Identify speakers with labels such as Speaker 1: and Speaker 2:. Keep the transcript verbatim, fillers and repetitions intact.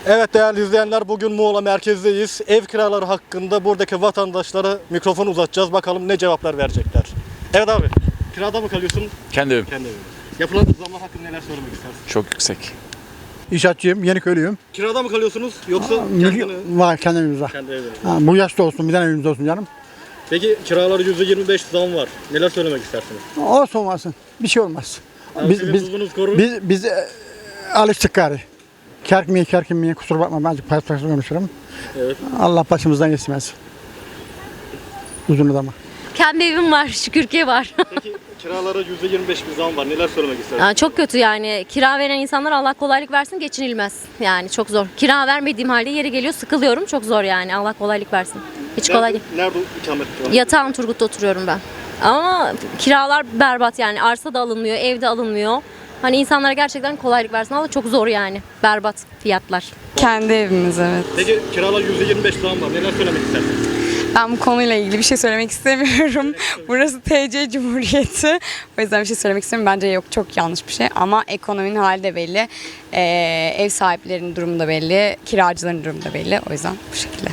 Speaker 1: Evet değerli izleyenler, bugün Muğla merkezdeyiz. Ev kiraları hakkında buradaki vatandaşlara mikrofon uzatacağız. Bakalım ne cevaplar verecekler. Evet abi, kirada mı kalıyorsun?
Speaker 2: Kendi evim.
Speaker 1: Kendi evinde. Yapılan zamlar hakkında neler söylemek istersin?
Speaker 2: Çok yüksek.
Speaker 3: İnşaatçıyım, Yeniköylüyüm.
Speaker 1: Kirada mı kalıyorsunuz yoksa
Speaker 3: Mülk
Speaker 1: kendini,
Speaker 3: var, kendi evimiz var.
Speaker 1: kendi evinde?
Speaker 3: Ha, bu yaşta olsun, bir tane evimiz olsun canım.
Speaker 1: Peki kiraları yüzde yirmi beş zam var. Neler söylemek istersiniz?
Speaker 3: Olsun olmasın, bir şey olmaz.
Speaker 1: Yani
Speaker 3: Biz
Speaker 1: sizin
Speaker 3: biz
Speaker 1: tuzunuz korur.
Speaker 3: biz biz e, alıştık gari. Kerkmeye kerkinmeye kusura bakma, ben azıcık paylaşmak konuşurum.
Speaker 1: Evet.
Speaker 3: Allah başımızdan geçmez. Uzun adama.
Speaker 4: Kendi evim var, şükür ki var.
Speaker 1: Peki kiralara yüzde yirmi beş bir zam var. Neler söylemek istersiniz?
Speaker 4: Yani çok kötü yani. Kira veren insanlar Allah kolaylık versin, geçinilmez. Yani çok zor. Kira vermediğim halde yeri geliyor, sıkılıyorum. Çok zor yani. Allah kolaylık versin. Hiç kolay değil.
Speaker 1: Nerede, nerede ikamet ediyorsun?
Speaker 4: Yatağın Turgut'ta oturuyorum ben. Ama kiralar berbat yani. Arsa da alınmıyor, ev de alınmıyor. Hani insanlara gerçekten kolaylık versin ama çok zor yani. Berbat fiyatlar.
Speaker 5: Kendi evimiz, evet.
Speaker 1: Peki kiralar yüzde yirmi beş zam var. Neler söylemek istersiniz?
Speaker 5: Ben bu konuyla ilgili bir şey söylemek istemiyorum. Burası T C Cumhuriyeti. O yüzden bir şey söylemek istemiyorum. Bence yok, çok yanlış bir şey. Ama ekonominin hali de belli. Ee, ev sahiplerinin durumu da belli. Kiracıların durumu da belli. O yüzden bu şekilde.